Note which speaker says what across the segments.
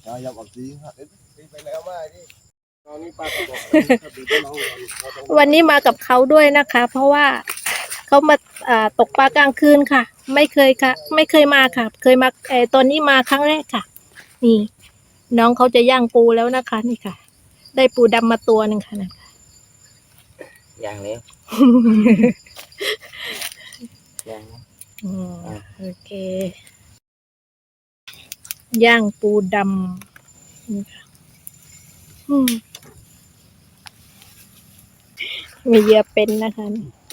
Speaker 1: วันนี้มากับเขาด้วยนะคะ เพราะว่าเขามาตกปลากลางคืนค่ะ ไม่เคยมาค่ะ เคยมาตอนนี้มาครั้งแรกค่ะ นี่ น้องเขาจะย่างปูแล้วนะคะนี่ค่ะ ได้ปูดำมาตัวหนึ่งค่ะนะคะ
Speaker 2: ย่างแล้วย่าง
Speaker 1: โอเคย่างปูดำนี่ค่ะมีเหยื่อเป็นนะคะ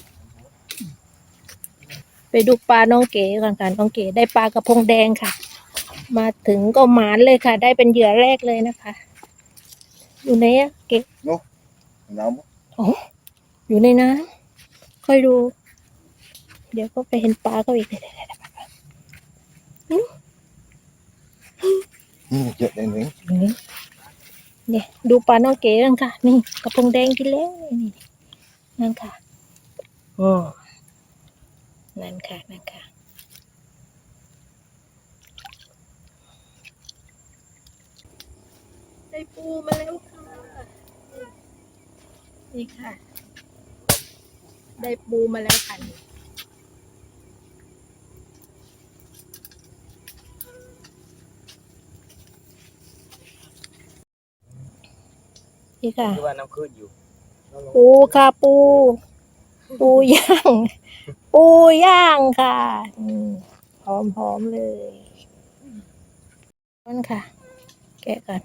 Speaker 1: ไปดูปลาน้องเก๋ก่อนค่ะน้องเก๋ได้ปลากระพงแดงค่ะ มาถึงก็หมานเลยค่ะ ได้เป็นเหยื่อแรกเลยนะคะอยู่ไหนอะเก๋น้ำโอ้อยู่ในน้ำค่อยดู เดี๋ยวก็ไปเห็นปลาเขาอีก
Speaker 3: เยอะเลย
Speaker 1: เนี่ยดูปลาน้องเก๋กันค่ะนี่กระพงแดงกินแล้วนี่นั่นค่ะนั่นค่ะได้ปูมาแล้วค่ะนี่ค่ะได้ปูมาแล้วค่ะนี่ค่ะ
Speaker 2: ว่าน้ำขึ้นอยู่
Speaker 1: ปูค่ะปูย่างปูย่างค่ะหอมเลยนั่นค่ะแกะกัน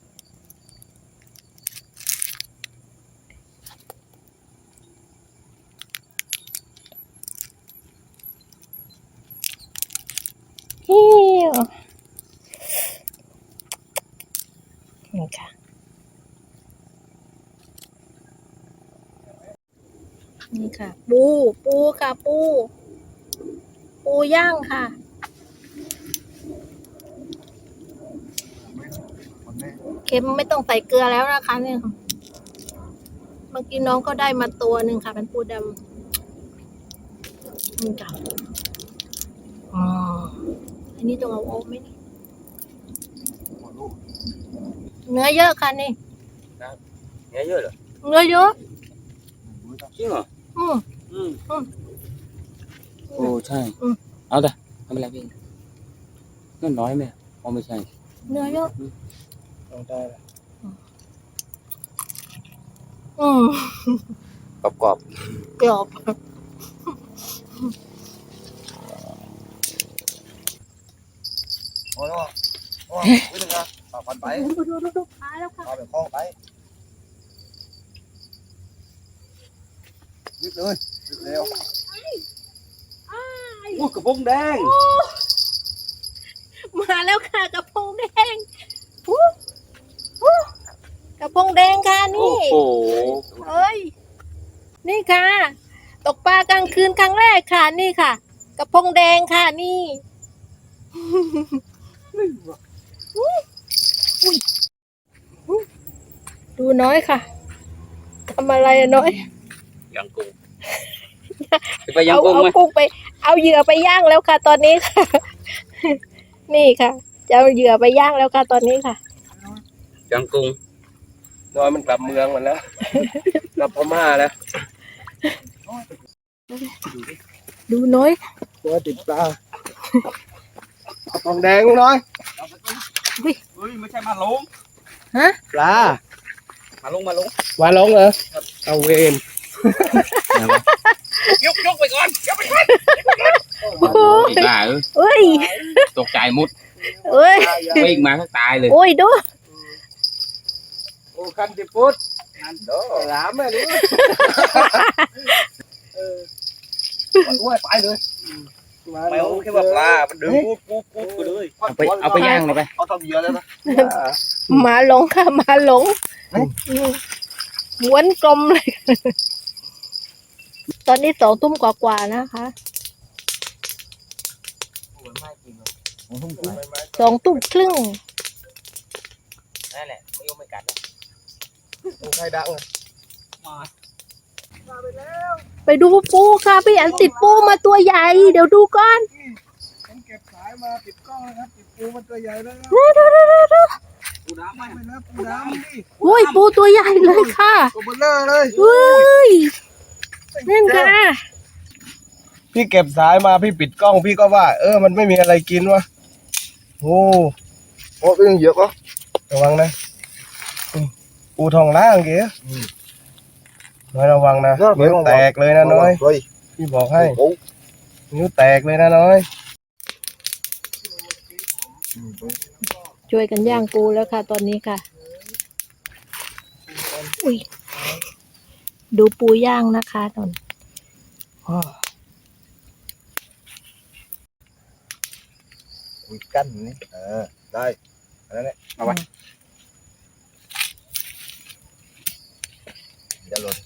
Speaker 1: นี่ค่ะนี่ค่ะปูค่ะปูย่างค่ะเค็มไม่ต้องใส่เกลือแล้วนะคะเนี่ยเมื่อกี้น้องก็ได้มาตัวหนึ่งค่ะเป็นปูดำนี่ค่ะอันนี้ต้องเอาออกไหมนี่เนื้อเยอะค่ะนี่
Speaker 2: เนื้อเยอะเหรอ
Speaker 1: เนื้อเยอะ
Speaker 2: จริงเหรอโอ้ใช่เอาแต่ทำอะไรพี่นั่นน้อยไหมอ๋อไม่ใช่
Speaker 1: เนื้อเยอะ
Speaker 3: เอาได้
Speaker 2: กรอบ
Speaker 3: โอ้ยวิ่งนะผ่านไป
Speaker 1: ดูปลาแล้วค่ะ
Speaker 3: เอาไปคล้องไปวิ่งเลยวิ่งเร็ว
Speaker 2: โอ้กระพงแดง
Speaker 1: มาแล้วค่ะกระพงแดงกระพงแดงค่ะนี่
Speaker 2: โอ้
Speaker 1: เฮ้ยนี่ค่ะตกปลากลางคืนครั้งแรกค่ะนี่ค่ะกระพงแดงค่ะนี่ดูน้อยค่ะทำอะไรน้อย
Speaker 2: ย่างกุ้งไปย่างกุ้งไหม
Speaker 1: เอาเหยื่อไปย่างแล้วค่ะ ตอนนี้ค่ะนี่ค่ะจะเอาเหยื่อไปย่างแล้วค่ะตอนนี้ค่ะ
Speaker 2: ย่างกุ้ง
Speaker 3: น้อยมันกลับเมืองหมดแล้วกลับพม่าแล้ว
Speaker 1: ดูน้อย
Speaker 3: ตัวติดปลาทองแดงน้อย
Speaker 2: เฮ้ยไม่ใช่มาลง
Speaker 1: ฮะ
Speaker 3: ปลา
Speaker 2: มาลงเหรอ
Speaker 3: เอาเวร
Speaker 2: ยกไปก่อนบ้า
Speaker 1: เอ้ย
Speaker 2: ตกใจมุดวิ่งมาก็ตายเลย
Speaker 1: โอ้ยดู
Speaker 3: โอ้คันติพุทธหลามเลยดิไปเลย
Speaker 2: ไม่โอเคว่าปลามันดึงปุ๊บไปเลยเอาไปย่างเลยไป
Speaker 3: เอาทำเยอะแล้วนะ
Speaker 1: มาหลงค่ะมาหลงม้วนกลมเลยตอนนี้2 ทุ่มกว่านะคะ2 ทุ่มครึ่ง
Speaker 2: นั่นแหละไม่ยอมไม่กัดนะ
Speaker 3: ใครดัง
Speaker 1: ไปดูปูค่ะพี่อันติดปูมาตัวใหญ่เดี๋ยวดูก่อน
Speaker 3: ผมเก็บสายมาติดกล้องนะครับติดปูมันตัวใหญ่แล้วปูน้ำไหม
Speaker 4: ไม่นะปูน้ำนี่
Speaker 1: อุ้ยปูตัวใหญ่เลยค่ะ
Speaker 4: ตัวเบลเลอร์เลย
Speaker 1: เฮ้ยนั่นค่ะ
Speaker 4: พี่เก็บสายมาพี่ปิดกล้องพี่ก็ว่า มันไม่มีอะไรกินวะโอ้เป็นยังเยอะปะระวังนะปูทองล่างเก๋น้อยระวังนะนิ้วแตกเลยนะน้อยพี่บอกให้นิ้วแตกเลยนะน้อย
Speaker 1: ช่วยกันย่างปูแล้วค่ะ ตอนนี้ค่ะอุ้ยดูปูย่างนะคะตอน
Speaker 4: คุยกั้นนี่ได้แล้วเนี่ยเอาไว้จะหล่น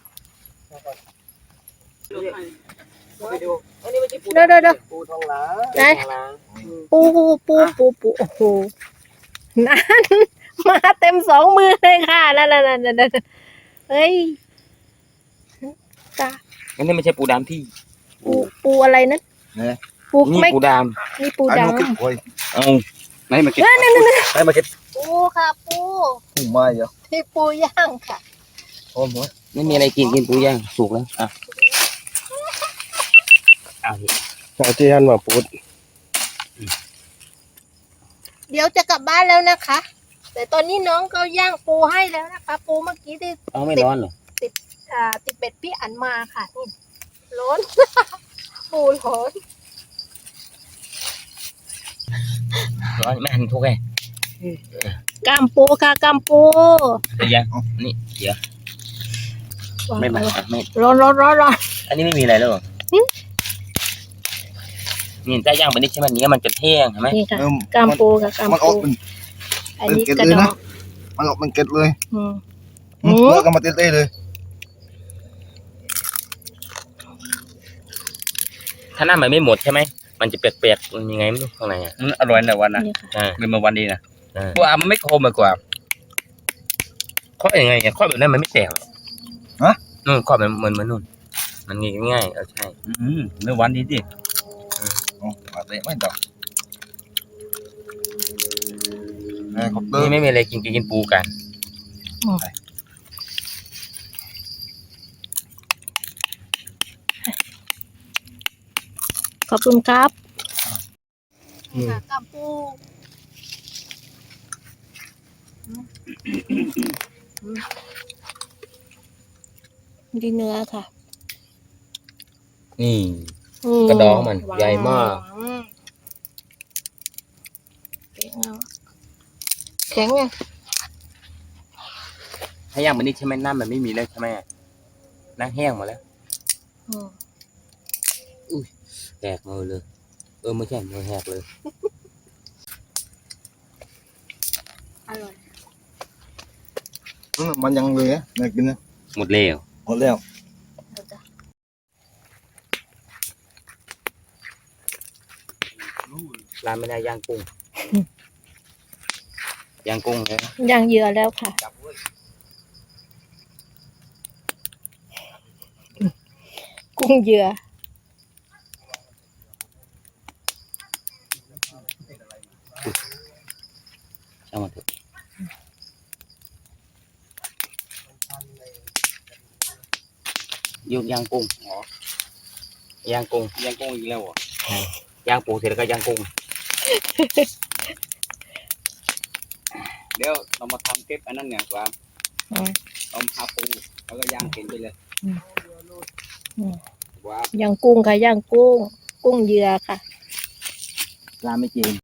Speaker 1: เดี๋ยว
Speaker 4: ปูทองหลาง
Speaker 1: ไหนปูโอ้โหนั่นมาเต็มสองมือเลยค่ะนั่นเฮ้ยตา
Speaker 2: อันนี้ไม่ใช่ปูดำที่
Speaker 1: ปูอะไรนั่นปู
Speaker 2: นี่
Speaker 1: ไม่
Speaker 2: ปูด
Speaker 1: นี่ปูดำ
Speaker 2: ำเอาไหนมาเก็บ
Speaker 4: ให้มาเก็บ
Speaker 1: ปูค่ะปู
Speaker 4: ปูไม้เหรอ
Speaker 1: ที่ปูย่างค่ะ
Speaker 4: โอ้โห
Speaker 2: ไม่มีอะไรกินปูย่างสุกแล้วอ่ะเอาดิ
Speaker 4: ชาวที่ฮันมาปูด
Speaker 1: เดี๋ยวจะกลับบ้านแล้วนะคะ แต่ตอนนี้น้องก็ย่างปูให้แล้วนะคะ ปูเมื่อกี้ที่
Speaker 2: เอาไม่ร้อนเหรอ
Speaker 1: ติดเป็ดพี่อันมาค่ะนี่ร้อน ปูร้อน
Speaker 2: ร้อนไม่หันทุกไง
Speaker 1: กามปูค่ะกามปู
Speaker 2: เดี๋ยวนี่เดี๋ยวไม่มาไม่
Speaker 1: ร้อน
Speaker 2: อันนี้ไม่มีอะไรแล้วเหรอนี่ถ้าย่างไปนิดใช่ไหมเนี้ยมันจะแห้งใช่ไหม
Speaker 1: นี่ค่ะกามปูค่ะกาม
Speaker 4: มันออ
Speaker 1: ปู
Speaker 4: กเป็น
Speaker 1: อันนี้
Speaker 4: เป็น
Speaker 1: กระ
Speaker 4: เกล็ด
Speaker 1: ด
Speaker 4: เลย
Speaker 1: อ
Speaker 4: นะ
Speaker 1: ก
Speaker 4: มันออกเป็นเกล็ดเลย
Speaker 1: อืม
Speaker 4: เลิกกันมาเต้ๆเลย
Speaker 2: ถ้าหน้ามันไม่หมดใช่ไหมมันจะเปียกๆมันยังไงไม่รู้ข้างในอ่ะ
Speaker 3: อร่อยในวันนะ
Speaker 1: นี่ค่ะ
Speaker 2: อ่า
Speaker 3: เป็นมาวันดีนะ
Speaker 2: อ่า
Speaker 3: ปูอามันไม่คมมากกว่า
Speaker 2: ข้อยังไงเนี่ยข้อแบบนั้นมันไม่แตกหรอกนู่นข้อมันเหมือนนู่นมันง่ายๆใช่
Speaker 3: เนื้อวันดีดิ
Speaker 4: มาเตะไม่ต่อขอบเตอ
Speaker 2: นี่
Speaker 4: ร์
Speaker 2: ไม่มีอะไรกินปูกัน
Speaker 1: ขอบคุณครับค่ะกามปูดีเนื้อค่ะ
Speaker 2: นี่ กระดองมันใหญ่มาก
Speaker 1: แข็งไง
Speaker 2: ถ้าย่างมันนี่ใช่ไหมน้ำมันไม่มีแล้วใช่ไหมน้ำแห้งหมดแล้วแหกมือเลยไม่ใช่มือแหกเลย
Speaker 1: อร่อย
Speaker 4: มันยังเลยอ่ะน่ากินนะ
Speaker 2: หมดแล้ว
Speaker 4: หมดแล้ว
Speaker 2: ร้านไม่ได้ย่างกุ้งย่างกุ้งเลย
Speaker 1: ย่างเหยื่อแล้วค่ะ กุ้งเหยื่อ
Speaker 2: ช่างมันเถอะย่างกุ้งย่างกุ้ง
Speaker 3: ยังกงอีกแล้วเหร
Speaker 2: ย่า
Speaker 3: อ่ะ
Speaker 2: งปูเสร็จแล้วก็ย่างกุ้ง
Speaker 3: เดี๋ยวเรามาทำคลิปอันนั้นเนี่ยกว่าต้มข้าวปูแล้วก็ย่างกินไปเลยว่า
Speaker 1: ย่างกุ้งค่ะย่างกุ้ง กุ้งเหยื่อค่ะ
Speaker 2: ปลาไม่จริง